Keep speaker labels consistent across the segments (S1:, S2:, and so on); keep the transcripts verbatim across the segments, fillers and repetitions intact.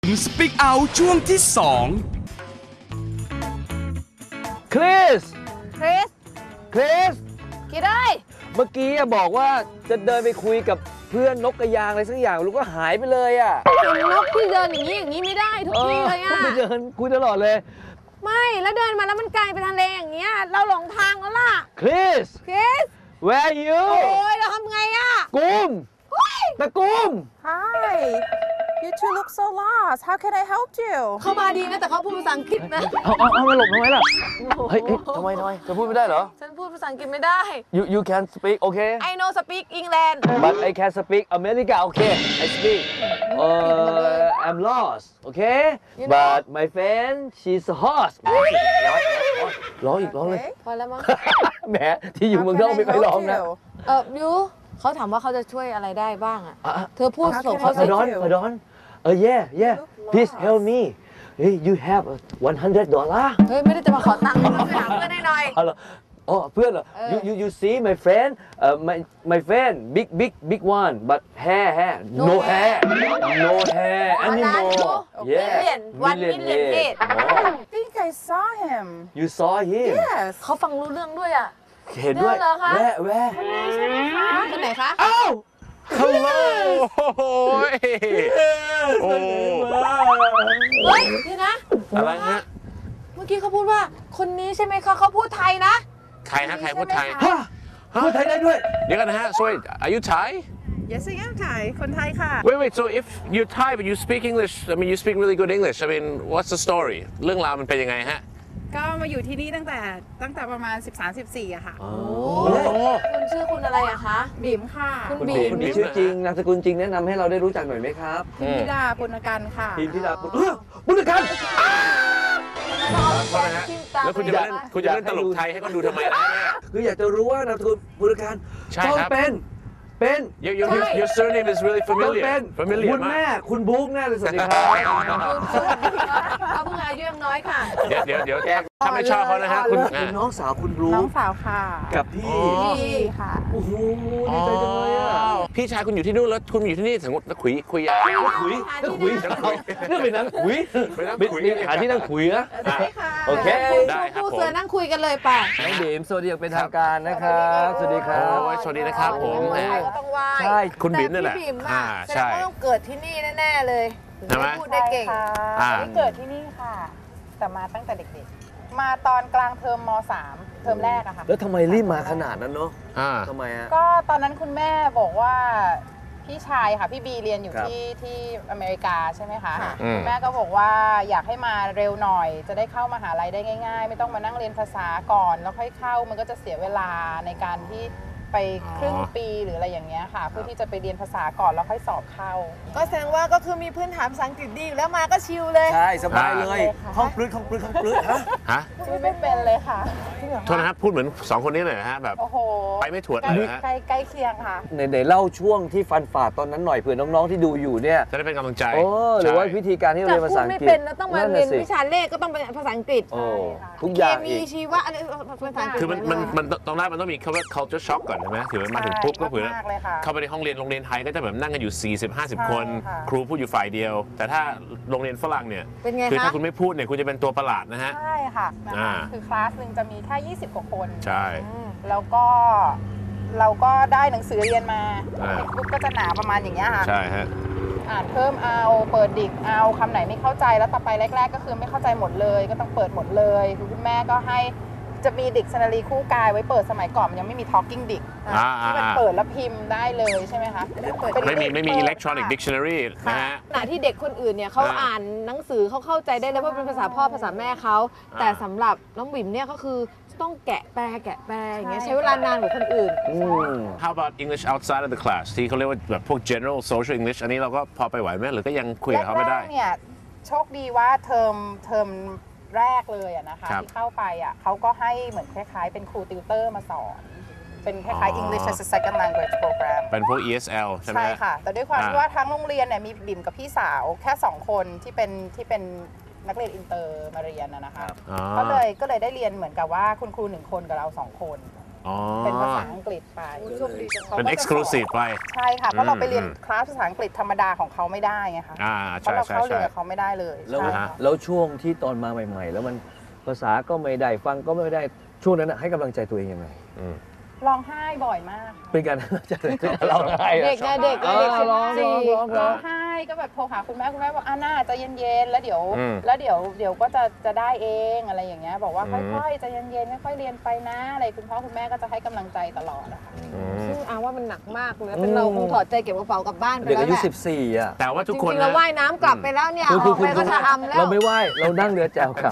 S1: Speak Out ช่วงที่สอง
S2: คริส
S3: คริส
S2: คริส
S3: คิดได้
S2: เมื่อกี้บอกว่าจะเดินไปคุยกับเพื่อนนกกระยางอะไรสักอย่างลูกก็หายไปเลยอ่ะ
S3: เห็นนกที่เดินอย่างนี้อย่างนี้ไม่ได้ทุกทีเลยอ่ะ
S2: ไปเดินคุยตลอดเลย
S3: ไม่แล้วเดินมาแล้วมันไกลไปทะเลอย่างเงี้ยเราหลงทางแล้วล่ะ
S2: คริส
S3: คริส
S2: where you
S3: โอ้ยเราทำไงอ่ะ
S2: กุมตะกุม
S4: Hi you two look so lost how can I help you
S3: เขามาดีนะแต่เขาพูดภาษาอังกฤษนะ
S2: เอาเอาเอามาหลบทำไมล่ะเฮ้ยทำไมทำไมจะพูดไม่ได้เหรอ
S3: ฉันพูดภาษาอังกฤษไม่ได้
S2: you you can speak okay
S3: I know speak England
S2: but I can speak America okay I speak uh I'm lost okay but my friend she's a horse ร้องอีกร้องเลย
S3: พอแล้วมั้ง
S2: แหมที่อยู่เมืองนอกไม่ค่อยร้องนะ
S3: เออยูเขาถามว่าเขาจะช่วยอะไรได้บ้างอ่ะเธอพูดส่งเขา
S2: พดอนพดอนเออ yeah yeah please help me hey you have one hundred dollar
S3: เฮ้ยไม่ได้จะมาขอตังค์มาถามเพื่อนหน่อย
S2: อ๋ออ๋อเพื่อนเหรอ you you you see my friend uh my my friend big big big one but hair hair no hair no hair anymore yeah
S3: one million head
S4: I think I saw him
S2: you saw him
S4: yes
S3: เขาฟังรู้เรื่องด้วยอ่ะ
S2: เห็นด้วยแว่แว่
S3: คนไหนคะ
S2: อ้าวฮัลโหล
S5: โอ้ยโอ้
S3: เฮ้ยเดี๋ยวนะ
S5: อะไรฮะ
S3: เมื่อกี้เขาพูดว่าคนนี้ใช่ไหมคะเขาพูดไทยนะ
S5: ใครฮะใครพูดไทย
S2: ฮะพูดไทยได้ด้วย
S5: เดี๋ยวกันนะฮะ sorry are you Thai
S4: yes I am Thai คนไทยค่ะ
S5: wait wait so if you're Thai but you speak English I mean you speak really good English I mean what's the story เรื่องราวมันเป็นยังไงฮะ
S4: ก็มาอยู่ที่นี่ตั้งแต่ตั้งแต่ประมาณ สิบสาม สิบสี่ อะค่ะ
S2: โอ้
S3: คุณชื่อคุณอะไรอะคะ
S4: บิ๋มค่ะ
S3: คุณบิ๋ม
S2: คุณบิ๋มชื่อจริงนามสกุลจริงแนะนำให้เราได้รู้จักหน่อยไหมครับ
S4: พิมพิดาปุณกันค่ะ
S2: พิมพิดาปุณปุณกัน
S5: แล้วคุณจะเล่นคุณจะเล่นตลกไทยให้เขาดูทำไมล่ะ
S2: คืออยากจะรู้ว่านามสกุลปุณกันต้องเป็นเป็น
S5: your your your surname is really familiar
S2: เป็น
S5: familiar
S2: คุณแม่คุณบุ๊กแน่เลยสวัสดีครับ
S3: เขาเพิ่งอายุยังน้อยค่ะ
S5: เดี๋ยวเดี๋ยวเดี๋ยวถ้าไม่ชอบเขานะฮะคุณ
S2: น้องสาวคุณบุ๊ก
S4: น้องสาวค่ะ
S2: กับพี่
S4: พี่ค่ะ
S2: โอ้โหดีใจจังเลยอ่ะ
S5: พี่ชายคุณอยู่ที่นู่นแล้วคุณอยู่ที่นี่สมมตินักคุยคุยอะ
S2: คุยนักคุยเรื่องเป็นนักคุยมีขาที่นั่งคุยนะโอเค
S3: ได้ครับผมผู้เสือนั่งคุยกันเลยป่ะ
S2: น้องเดมสวัสดีอย่างเป็นทางการนะครับสวัสดีครับ
S5: โอ้ยสวัสดีนะครับผม
S3: ก็ต้องไหว้
S2: ใช่
S5: คุณบิ๋มนี่แหละ
S3: อ่าใช่ต้องเกิดที่นี่แน่ๆเลย
S5: ใช่ไหม
S3: พูดได้เก่ง
S4: ที่เกิดที่นี่ค่ะแต่มาตั้งแต่เด็กๆมาตอนกลางเทอมม สาม เทอมแรกอะค่ะ
S2: แล้วทำไมรีบมาขนาดนั้นเนาะทำไมฮะ
S4: ก็ตอนนั้นคุณแม่บอกว่าพี่ชายค่ะพี่บีเรียนอยู่ที่ที่อเมริกาใช่ไหมคะคุณแม่ก็บอกว่าอยากให้มาเร็วหน่อยจะได้เข้ามหาลัยได้ง่ายๆไม่ต้องมานั่งเรียนภาษาก่อนแล้วค่อยเข้ามันก็จะเสียเวลาในการที่ไปครึ่งปีหรืออะไรอย่างเงี้ยค่ะเพื่อที่จะไปเรียนภาษาก่อนแล้วค่อยสอบเข้า
S3: ก็แสดงว่าก็คือมีพื้นฐานภาษาอังกฤษดีแล้วมาก็ชิลเลย
S2: ใช่สบายเลยคล่องปลื้ดคล่องปลื้ดคล่องปลื้ดฮะ
S5: ฮะ
S4: ไม่เป็นเลยค่ะ
S5: โทษนะครับพูดเหมือนสองคนนี้เลยนะฮะแบบไปไม่ถวดเลยฮะ
S4: ใกล้ใกล้เคียงค่ะ
S2: ในเล่าช่วงที่ฟันฝ่าตอนนั้นหน่อยเผื่อน้องๆที่ดูอยู่เนี่ย
S5: จะได้เป็นกำลังใจ
S2: โอ้หรือว่าวิธีการที่เรียนภาษาอังกฤษไม่
S3: เป็นแล้วต้องมาเรียนวิชาเลขก็ต้องเป็นภาษาอังกฤษ
S2: ทุกอย่าง
S3: มีชีวะอะไรภาษาอังกฤษ
S5: คือมันมันมันตรงแรกมันต้องมีคำว่า culture shock ก่อนใช่ไหมถือว่ามาถึงปุ๊บก็เผื่อเข้าไปในห้องเรียนโรงเรียนไทยก็จะแบบนั่งกันอยู่สี่สิบ ห้าสิบคนครูพูดอยู่ฝ่ายเดียวแต่ถ้าโรงเรียนฝรั่งเนี่ยคือถ้าคุณไม่พูดเนี่ยคุณจะเป็นตัวประหลาดนะฮะ
S4: ใช่ค่ะคือคลาสหนึ่งจะมีแค่ยี่สิบกว่าคน
S5: ใช่
S4: แล้วก็เราก็ได้หนังสือเรียนมาบุ๊กก็จะหนาประมาณอย่างเงี้ยค่ะ
S5: ใช่ฮะ
S4: อ่านเพิ่มเอาเปิดดิกเอาคำไหนไม่เข้าใจแล้วต่อไปแรกๆก็คือไม่เข้าใจหมดเลยก็ต้องเปิดหมดเลยคุณแม่ก็ให้จะมีดิกชันนารีคู่กายไว้เปิดสมัยก่อนมันยังไม่มี talking dic ที่มันเปิดแล้วพิมพ์ได้เลยใช่ไหมคะ
S5: ไม่มีไม่มี electronic dictionary นะฮะ
S3: ขณะที่เด็กคนอื่นเนี่ยเขาอ่านหนังสือเขาเข้าใจได้แล้วว่าเป็นภาษาพ่อภาษาแม่เขาแต่สำหรับน้องบิ่มเนี่ยก็คือต้องแกะแปลแกะแปลอย่างเงี้ยใช้เวลานานกว่าคนอื่น
S5: How about English outside of the class ที่เขาเรียกว่าแบบพวก general social English อันนี้เราก็พอไปไหวไหมหรือก็ยังคุยกับเขาไม่ได้
S4: เนี่ยโชคดีว่าเทอมเทอมแรกเลยอะนะคะที่เข้าไปอะเขาก็ให้เหมือนคล้ายๆเป็นครูติวเตอร์มาสอนเป็นคล้ายๆ English as a second language program
S5: เป็นพวก อี เอส แอล ใช่ไหม
S4: ใช่ค่ะแต่ด้วยความที่ว่าทั้งโรงเรียนเนี่ยมีบิ่มกับพี่สาวแค่สองคนที่เป็นที่เป็นนักเรียนอินเตอร์มาเรียนนะคะก็เลยก็เลยได้เรียนเหมือนกับว่าคุณครูหนึ่งคนกับเราสองคนเป็นภาษาอังกฤษไป
S5: เป็น exclusive ไป
S4: ใช่ค่ะเพราะเราไปเรียนคลาสภาษาอังกฤษธรรมดาของเขาไม่ได้ไงคะ
S5: อ่า
S4: เพ
S5: ใช่
S4: ราะเรา
S5: ใช่
S4: เข้าเรีย
S5: ใช่
S4: นกับเขาไม่ได้เลย
S2: แล้ว
S4: ใช่ค่ะ
S2: แล้วช่วงที่ตอนมาใหม่ ๆ แล้วมันภาษาก็ไม่ได้ฟังก็ไม่ได้ช่วงนั้นให้กำลังใจตัวเองยังไง
S4: ร้องไห้บ่อยมาก
S2: เป็นการจะเราไห้
S3: เด็กไงเด็กไงเด็กสิบสี่
S4: ร้องไห้ก็แบบโทรหาคุณแม่คุณแม่บอกอ่าน่าจะเย็นๆแล้วเดี๋ยวแล้วเดี๋ยวเดี๋ยวก็จะจะได้เองอะไรอย่างเงี้ยบอกว่าค่อยๆจะเย็นๆค่อยๆเรียนไปนะอะไรคุณพ่อคุณแม่ก็จะให้กำลังใจตลอดอะค่ะ
S3: ซึ่งอาว่ามันหนักมากเลยเป็นเราคงถอดใจเก็บกระเป๋ากลับบ้านไป
S2: เด็ก
S3: แล้ว
S2: อายุ
S3: แหละ
S2: สิบสี่อ่ะ
S5: แต่ว่าทุก
S3: จ
S5: คน
S3: ริงๆเรา
S5: นะ
S3: ว่ายน้ำกลับไปแล้วเนี่ยออกไปก็จะทำแล้ว
S2: เราไม่ไหว้เรานั่งเรือแจวกลับ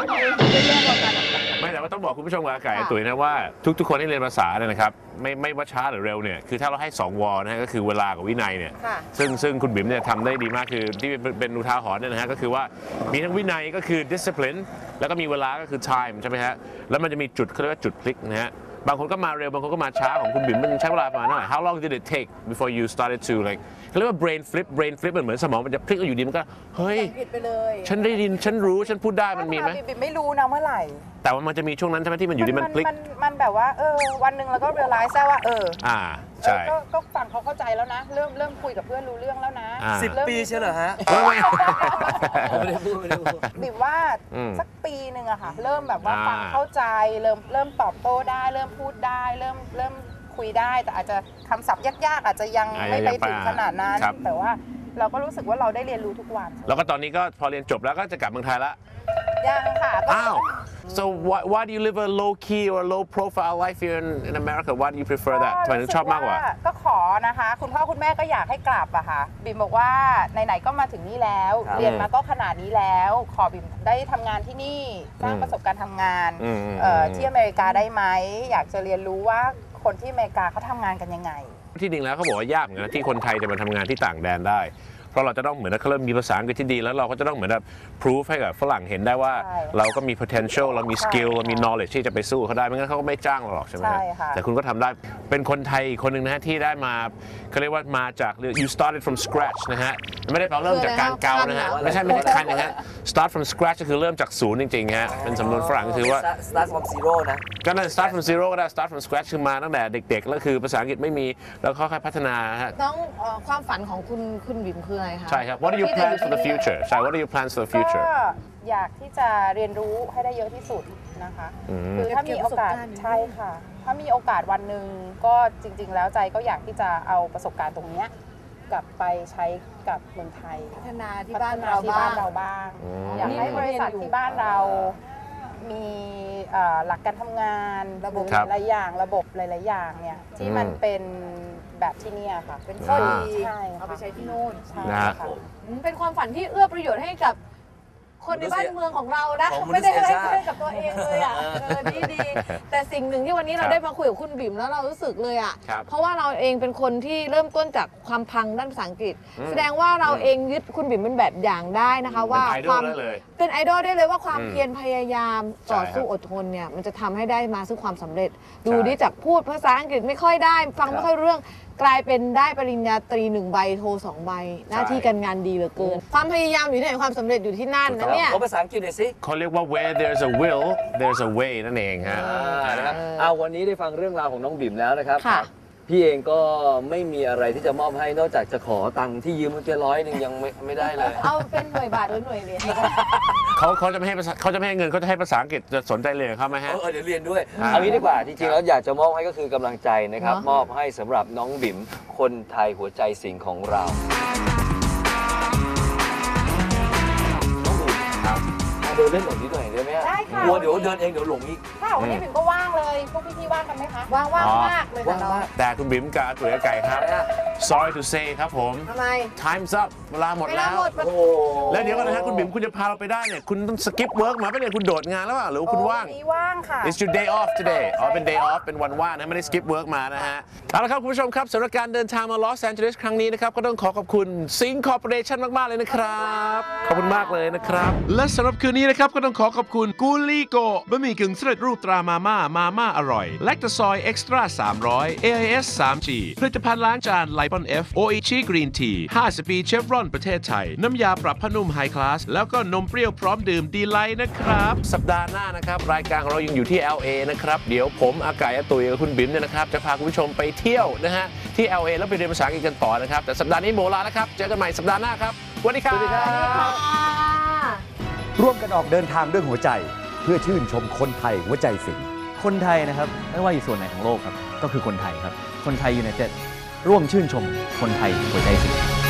S5: ไม่แต่ว่าต้องบอกคุณผู้ชมกับอาไก่ตุ๋ยนะว่าทุกๆคนที่เรียนภาษาเนี่ยนะครับไม่ไม่ว่าช้าหรือเร็วเนี่ยคือถ้าเราให้สองวอนะฮะก็คือเวลากับวินัยเนี่ยซึ่งซึ่งคุณบิ๊มเนี่ยทำได้ดีมากคือที่เป็นเป็นอุทาหรณ์เนี่ยนะฮะก็คือว่ามีทั้งวินัยก็คือ discipline แล้วก็มีเวลาก็คือ time ใช่ไหมฮะแล้วมันจะมีจุดเขาเรียกว่าจุดพลิกนะฮะบางคนก็มาเร็วบางคนก็มาช้าของคุณบิ๊มมันใช้เวลาประมาณเท่าไหร่ How long did it take before you started to like เขาเรียกว่า brain flip brain flip มันเหมือนสมองมันจะพลิกอยู่ดีมันก็เฮ้ย
S4: ผิดไปเลย
S5: ฉันได้ยินฉันรู้ฉันพูดได้มันมีไหม
S4: บิ๊มไม่รู้นะเมื่อไหร่
S5: แต่ว่ามันจะมีช่วงนั้นใช่ไหมที่มันอยู่ดีมันพลิก
S4: มันมันแบบว่าเออวันหนึ่งเราก็เรียลไลซ์ได้ว่าเออ
S5: อ่าใช่
S4: เออก็ก็ฟังเขาเข้าใจแล้วนะ เริ่มเริ่มคุยกับเพื่อนรู้เรื่องแล้วนะ
S5: อ่า
S2: สิบ
S4: เริ่ม
S2: ปีใช่เหรอฮะ
S5: ไม่ไม่
S2: ไม่ได้พูดไม่ได้พูด
S4: บิ๊มว่า
S5: อืม
S4: สักปีหนึ่งอะค่ะ เริ่มแบบว่า
S5: อ่า
S4: ฟังเข้าใจเริ่มเริ่มตอบโต้ได้ เริ่มพูดได้ เริ่มเริ่มคุยได้ แต่อาจจะคำศัพท์ยากๆ อาจจะยัง
S5: อ่า
S4: ไม่ไป
S5: ยังไป
S4: ถึงขนาดนั้น
S5: ครับ
S4: แต่ว่าเราก็รู้สึกว่าเราได้เรียนรู้ทุกวัน
S5: แล้วก็ตอนนี้ก็พอเรียนจบแล้วก็จะกลับเมืองไทยละ
S4: ยังค่ะก็
S5: อ้าว so why why do you live a low key or low profile life here in in America why do you prefer that ทำไมถึงชอบมากกว่า
S4: ก็ขอนะคะ คุณพ่อคุณแม่ก็อยากให้กลับอะค่ะบิมบอกว่าไหนๆก็มาถึงนี่แล้ว
S2: ครับ
S4: เรียนมาก็ขนาดนี้แล้ว ขอบิมได้ทำงานที่นี่สร้างประสบการณ์ทำงาน
S5: อืม
S4: เอ่อที่อเมริกาได้ไหมอยากจะเรียนรู้ว่าคนที่อเมริกาเขาทำงานกันยังไง
S5: ที่จริงแล้วเขาบอกว่ายากเหมือนกันนะที่คนไทยจะมาทำงานที่ต่างแดนได้ เพราะเราจะต้องเหมือนเขาเริ่มมีภาษาอังกฤษที่ดีแล้วเราก็จะต้องเหมือนแบบ proof ให้กับฝรั่งเห็นได้ว่า
S4: ใช่
S5: เราก็มี potential เรามี skill
S4: ใช่
S5: เรามี knowledge ที่จะไปสู้เขาได้ไม่งั้นเขาก็ไม่จ้างเราหรอกใช่ไหมฮะ
S4: ใช่ค่ะ
S5: แต่คุณก็ทำได้เป็นคนไทยอีกคนหนึ่งนะฮะที่ได้มาเขาเรียกว่ามาจาก you started from scratch นะฮะไม่ได้แปลว่าเริ่มจากการเกานะฮะไม่ใช่ไม่ใช่คันนะฮะ start from scratch ก็คือเริ่มจากศูนย์จริงๆฮะเป็นสำนวนฝรั่งก็คือว่า
S2: start from zero นะ
S5: ก็นั่น start from zero ก็ได้ start from scratch คือมาตั้งแต่เด็กๆแล้วคือภาษาอังกฤษไม่มีแล้วค่อยๆพัฒนาฮะ
S3: น้องเอ่อความฝันของคุณคุณบิ๋มคืออะไรคะ
S5: ใช่ครับ What are your
S3: ที่จะ
S5: plans for the future ใช่ What are your plans for the
S4: ก็
S5: future
S4: อยากที่จะเรียนรู้ให้ได้เยอะที่สุดนะคะ
S5: อืม
S4: คือถ้ามีโอกาส
S3: เก็บประสบการณ์
S4: ใช่ค่ะ ถ้ามีโอกาสวันหนึ่งก็จริง ๆ แล้วใจก็อยากที่จะเอาประสบการณ์ตรงเนี้ยกลับไปใช้กับเมืองไทย
S3: พัฒนาที่บ้านเรา
S4: ที่
S3: บ้า
S4: บ้าง นเราบ้าง
S5: อืม
S4: อยากให้บริษัทที่บ้านเรามีเอ่อหลักการทำงาน
S3: ระบบ
S4: หรือหลายๆอย่างระบบหลายๆอย่างเนี่ยที่มันเป็นแบบที่เนี่ยค่ะ เป็นข้อดีใช่
S3: เอาไป
S4: ค่ะ
S3: ใช้ที่นู่น
S4: ใช่
S5: นะฮะ
S4: ค่ะ
S3: อืมเป็นความฝันที่เอื้อประโยชน์ให้กับคนในบ้านเมืองของเรานะ
S2: ของมนุ
S3: ไม่
S2: ษ
S3: ได้
S2: ย
S3: ให้
S2: ชาติ
S3: เพื่อนกับตัวเองเลยอ่ะเออดีดีแต่สิ่งหนึ่งที่วันนี้เรา
S5: ครับ
S3: ได้มาคุยกับคุณบิ๋มแล้วเรารู้สึกเลยอ่ะ
S5: ครับ
S3: เพราะว่าเราเองเป็นคนที่เริ่มต้นจากความพังด้านภาษาอังกฤษ
S5: อืม
S3: แสดงว่าเราเองยึดคุณบิ๋มเป็นแบบอย่างได้นะคะ ว่า
S5: เป็นไอด
S3: ค
S5: อ
S3: วา
S5: ล
S3: ม
S5: ได้เลย
S3: เป็นไอดอลได้เลยว่าความ
S5: อืม
S3: เพียรพยายามต่อ
S5: ใช่ครับ
S3: สู้อดทนเนี่ยมันจะทำให้ได้มาซึ่งความสำเร็จ ดู
S5: ใช่
S3: ดิจากพูดภาษาอังกฤษไม่ค่อยได้ ฟัง
S2: ครับ
S3: ไม่ค่อยรู้เรื่องกลายเป็นได้ปริญญาตรีหนึ่งใบโทสองใบ หน้าที่การงานดีเหลือเกิน ความพยายามอยู่ที่ไหนความสำเร็จอยู่ที่นั่นนะเนี่ย
S2: ขอภาษาอังกฤษหน่อยสิ
S5: เขาเรียกว่า where there's a will there's a way นั่นเองฮะ
S2: อ่านะครับเอาวันนี้ได้ฟังเรื่องราวของน้องบิ่มแล้วนะครับ
S3: ค่ะ
S2: พี่เองก็ไม่มีอะไรที่จะมอบให้นอกจากจะขอตังค์ที่ยืมเมื่อกี้ร้อยหนึ่งยังไม่ไม่ได้เลย
S3: เอาเป็นหน่วยบาทหรือหน่วยเหรียญ
S5: เขาเขาจะไม่ให้ภาษาเขาจะไม่ให้เงินเขาจะให้ภาษาอังกฤษจะสนใจเรียนกับเขาไหมฮะ
S2: เออเดี๋ยวเรียนด้วย
S5: อ่า
S2: เอางี้ดีกว่า จริงๆแล้วอยากจะมอบให้ก็คือกำลังใจนะครับ
S3: เนอะ
S2: มอบให้สำหรับน้องบิ่มคนไทยหัวใจสิงห์ของเรา น้องบิ่ม
S5: ครับ
S2: มาเดินเล่นหน่อยนิดหน่อยได้ไหมฮะ
S4: ได้ค่ะ
S2: กลัวเดี๋ยวเดินเองเดี๋ยวหลงอีก
S4: ค่ะวันนี้บิ่มก็ว่างเลย พวกพี่ๆว่างกันไหมคะ
S3: ว่างว่าง
S5: อ๋อ
S3: มากเลย
S2: ว่า
S3: ค่ะ
S2: ง
S3: น้อง
S2: มาก
S5: แต่คุณบิ๊มกับอาตุ๋ยอาไก่ครับ sorry to say ครับผม
S3: ทำไม
S5: time's up เวลาหมด
S3: เวลา
S5: แล้ว
S3: หมด
S2: โอ้โห
S5: แล้วเดี๋ยวก่อนนะฮะคุณบิ๊มคุณจะพาเราไปได้เนี่ยคุณต้อง skip work มาไม่ได้คุณโดดงานแล้วเปล่าหรือว่าคุณว่าง
S4: โอ้วันนี้ว่างค่ะ
S5: It's your day off today อ๋อ เป็น day off เป็นวันว่างนะ ไม่ได้ skip work มานะฮะ เอาละครับ คุณผู้ชมครับสำหรับการเดินทางมาลอสแอนเจลิสครั้งนี้นะครับ ก็ต้องขอขอบคุณ Sync Corporation มาก ๆ เลยนะครับ ขอบคุณมากเลยนะครับ และสำหรับคืนนี้
S6: นี้นะครับก็ต้องขอขอบคุณกูลี่โกบะหมี่กึ่งสำเร็จรูปตรามาม่ามาม่าอร่อยแลคตาซอยเอ็กซ์ตร้าสามร้อย เอ ไอ เอส ทรี จี ผลิตภัณฑ์ล้างจานไลปอน F โออิชิกรีนทีห้าสิบปีเชฟรอนประเทศไทยน้ำยาปรับผ้านุ่มไฮคลาสแล้วก็นมเปรี้ยวพร้อมดื่มดีไลท์นะครับ
S5: สัปดาห์หน้านะครับรายการของเรายังอยู่ที่ แอล เอ นะครับเดี๋ยวผมอากายอาตุยกับคุณบิ๊มเนี่ยนะครับจะพาคุณผู้ชมไปเที่ยวนะฮะที่ แอล เอ แล้วไปเรียนภาษาอังกฤษกันต่อนะครับแต่สัปดาห์นี้โมลาแล้วครับเจอกันใหม่สัปดาห์หน้าครับสวัสดีครับ
S7: ร่วมกันออกเดินทางด้วยหัวใจเพื่อชื่นชมคนไทยหัวใจสิงคนไทยนะครับไม่ว่าอยู่ส่วนไหนของโลกครับก็คือคนไทยครับคนไทยยูไนเต็ดร่วมชื่นชมคนไทยหัวใจสิง